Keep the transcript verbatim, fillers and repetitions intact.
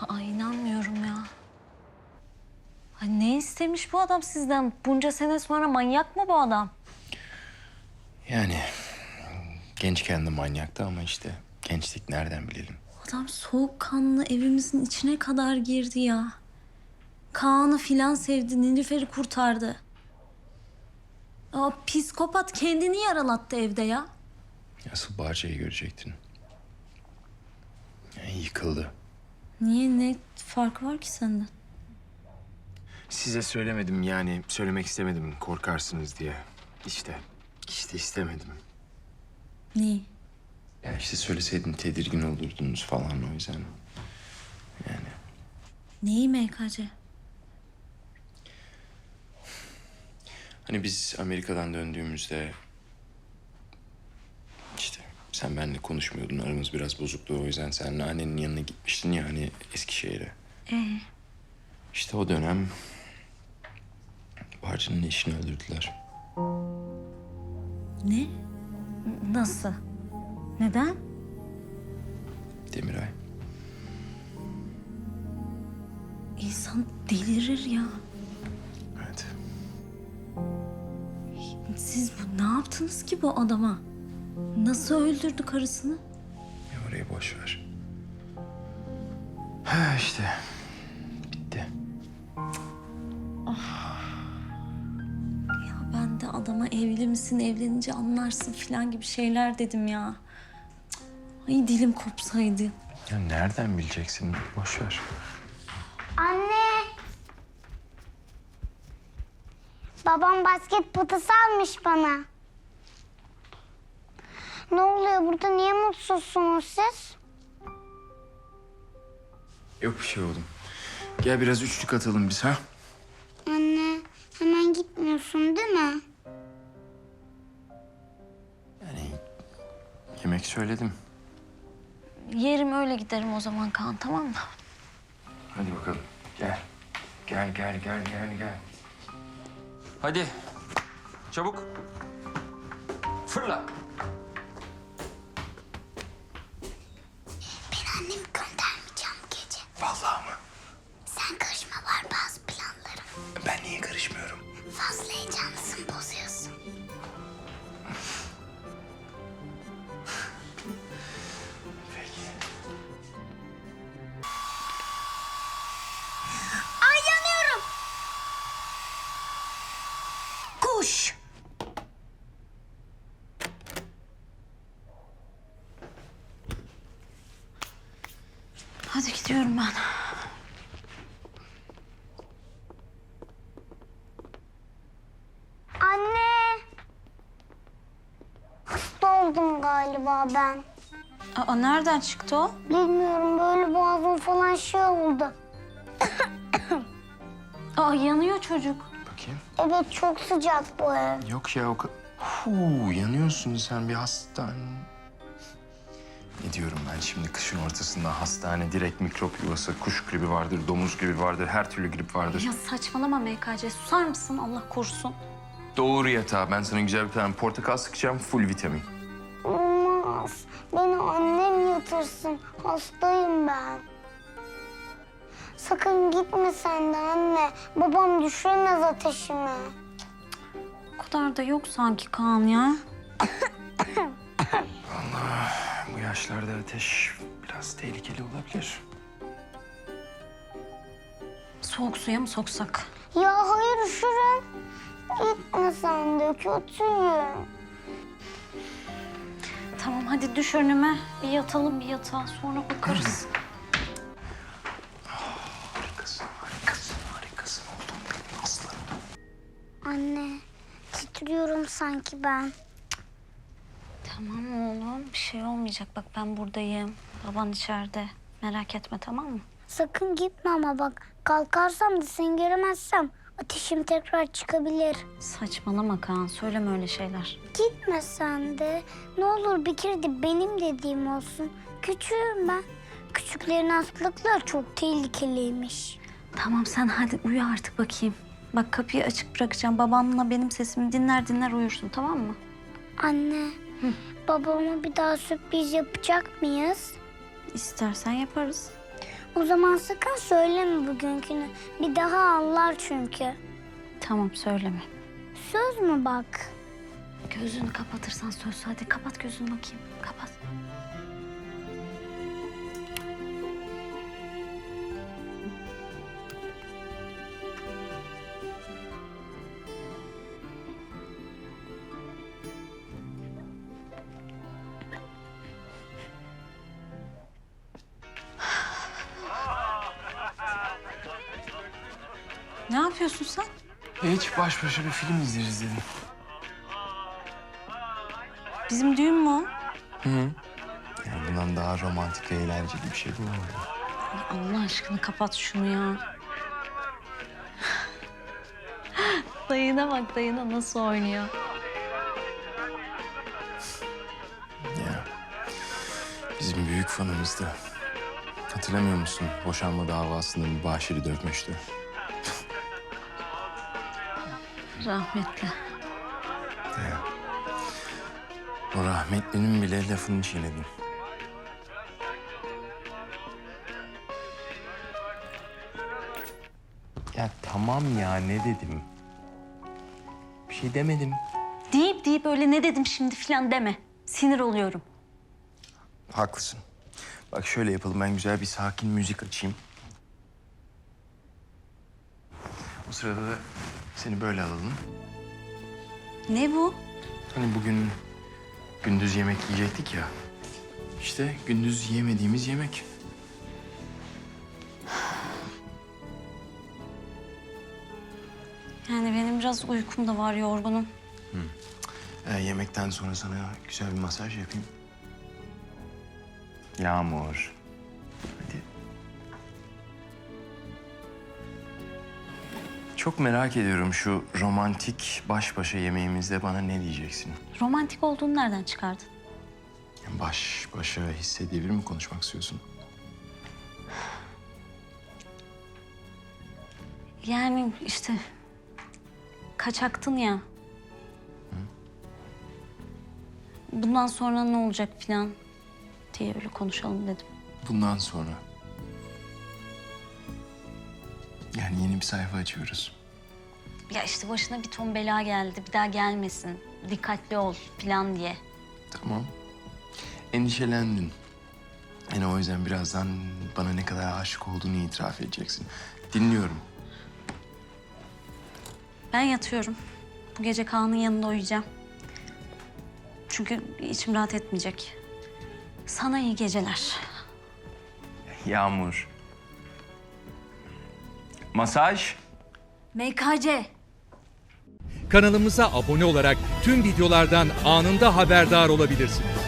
Ay inanmıyorum ya. Ay ne istemiş bu adam sizden? Bunca sene sonra manyak mı bu adam? Yani gençken de manyaktı ama işte gençlik nereden bilelim. Adam soğukkanlı evimizin içine kadar girdi ya. Kaan'ı filan sevdi, Nilüfer'i kurtardı. Aa, psikopat kendini yaralattı evde ya. Asıl Bahçe'yi görecektin. Yani yıkıldı. Niye, ne farkı var ki senden? Size söylemedim yani söylemek istemedim korkarsınız diye. İşte, işte istemedim. Neyi? Ya işte söyleseydin tedirgin olurdunuz falan o yüzden. Yani Neyi M K C? hani biz Amerika'dan döndüğümüzde işte sen benimle konuşmuyordun aramız biraz bozuktu o yüzden sen annenin yanına gitmiştin ya hani Eskişehir'e. Ee? İşte o dönem Barcı'nın eşini öldürdüler. Ne? Nasıl? Neden? Demiray. İnsan delirir ya. Evet. Siz bu, ne yaptınız ki bu adama? Nasıl öldürdü karısını? Ya orayı boş ver. Ha işte. Bitti. Ya ben de adama evli misin, evlenince anlarsın falan gibi şeyler dedim ya. Cık, ay dilim kopsaydı. Ya nereden bileceksin? Boş ver. Anne. Babam basket potası almış bana. Ne oluyor burada? Niye mutsuzsunuz siz? Yok bir şey oğlum. Gel biraz üçlük atalım biz ha. Anne, hemen gitmiyorsun değil mi? Yani yemek söyledim. Yerim öyle giderim o zaman Kaan, tamam mı? Hadi bakalım. Gel. Gel gel gel gel gel. Hadi. Çabuk. Fırla. Ben annemi göndermeyeceğim bu gece. Vallahi mı? Sen karışma, var bazı planlarım. Ben niye karışmıyorum? Fazla heyecanlısın, bozuyorsun. Peki. Ay yanıyorum. Kuş! Hadi gidiyorum ben. Anne. Hasta oldum galiba ben. Aa, nereden çıktı o? Bilmiyorum, böyle boğazım falan şey oldu. Aa, yanıyor çocuk. Bakayım. Evet, çok sıcak bu ev. Yok ya o kadar. Huu, yanıyorsun sen bir hastane. Ne diyorum ben şimdi kışın ortasında hastane, direkt mikrop yuvası, kuş gribi vardır, domuz gribi vardır, her türlü grip vardır. Ya saçmalama M K C, susar mısın Allah korusun? Doğru yatağa. Ben sana güzel bir tane portakal sıkacağım, full vitamin. Olmaz. Beni annem yatırsın. Hastayım ben. Sakın gitme sen de anne. Babam düşüremez ateşimi. O kadar da yok sanki Kaan ya. Bu yaşlarda ateş biraz tehlikeli olabilir. Soğuk suya mı soksak? Ya hayır, üşürüm. Gitme sen de, kötüyüm. Tamam hadi düş önüme. Bir yatalım bir yatağa, sonra bakarız. Harikasın, harikasın, harikasın oldum benim aslanım. Anne, titriyorum sanki ben. Tamam oğlum, bir şey olmayacak. Bak ben buradayım. Baban içeride. Merak etme, tamam mı? Sakın gitme ama bak. Kalkarsam da seni göremezsem ateşim tekrar çıkabilir. Saçmalama Kaan, söyleme öyle şeyler. Gitme sen de. Ne olur bir kere de benim dediğim olsun. Küçüğüm ben. Küçüklerin hastalıkları çok tehlikeliymiş. Tamam sen hadi uyu artık bakayım. Bak kapıyı açık bırakacağım. Babanla benim sesimi dinler dinler uyursun, tamam mı? Anne, babama bir daha sürpriz yapacak mıyız? İstersen yaparız. O zaman sakın söyleme bugünkünü. Bir daha ağlar çünkü. Tamam söyleme. Söz mü bak? Gözünü kapatırsan söz. Hadi kapat gözünü bakayım. Kapat. Ne yapıyorsun sen? Hiç baş başa bir film izleriz dedim. Bizim düğün mü o? Hı hı. Yani bundan daha romantik ve eğlenceli bir şey bulamadım. Ay Allah aşkına kapat şunu ya. Dayına bak, dayına nasıl oynuyor. Ya bizim büyük fanımızdı. Hatırlamıyor musun? Boşanma davasında mübaşiri dövmüştü. Rahmetli. Ya. O rahmetlinin bile lafını çiğnedim. Ya tamam ya, ne dedim? Bir şey demedim. Deyip deyip öyle ne dedim şimdi falan deme. Sinir oluyorum. Haklısın. Bak şöyle yapalım, ben güzel bir sakin müzik açayım. O sırada da seni böyle alalım. Ne bu? Hani bugün gündüz yemek yiyecektik ya. İşte gündüz yemediğimiz yemek. Yani benim biraz uykum da var, yorgunum. Ee, yemekten sonra sana güzel bir masaj yapayım. Yağmur. Hadi. Çok merak ediyorum, şu romantik baş başa yemeğimizde bana ne diyeceksin? Romantik olduğunu nereden çıkardın? Baş başa hissedebilir mi konuşmak istiyorsun? Yani işte kaçaktın ya. Bundan sonra ne olacak falan diye öyle konuşalım dedim. Bundan sonra. Yani yeni bir sayfa açıyoruz. Ya işte başına bir ton bela geldi, bir daha gelmesin. Dikkatli ol falan diye. Tamam. Endişelendin. Yani o yüzden birazdan bana ne kadar aşık olduğunu itiraf edeceksin. Dinliyorum. Ben yatıyorum. Bu gece Kaan'ın yanında uyuyacağım. Çünkü içim rahat etmeyecek. Sana iyi geceler. Yağmur. Masaj. M K C. Kanalımıza abone olarak tüm videolardan anında haberdar olabilirsiniz.